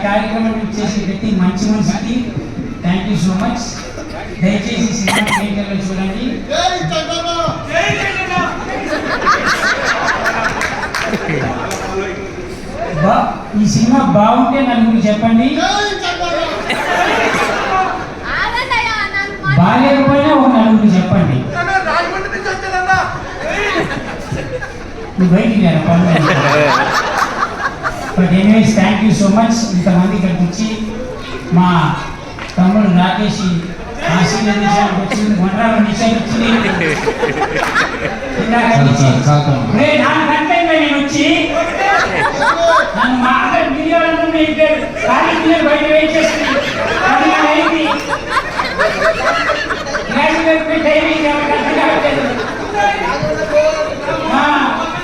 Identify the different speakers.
Speaker 1: కార్యక్రమం చేసే ప్రతి మంచి మనిషికి థ్యాంక్ యూ సో మచ్. దయచేసి సినిమా థియేటర్లో చూడండి. ఈ సినిమా బాగుంటే నలుగురు చెప్పండి, బాగాలేకపోయినా ఒక నలుగురు చెప్పండి. నువ్వు బయటికి but anyways thank you so much. ఇంతమంది ఇక్కడికి వచ్చి మా తమ్ముడు రాకేష్ ఆశీర్వదించడానికి వచ్చింది, వంటల నిషేధం వచ్చింది. నాకంటే నేను వచ్చి నన్ను మాట్లాడి మిలియన్లు ఖాళీ మిలియన్ బయట వెయిట్ చేసింది. గ్రాడ్యుయేట్ టైమింగ్ ఎవరికి అర్థం కావట్లేదు.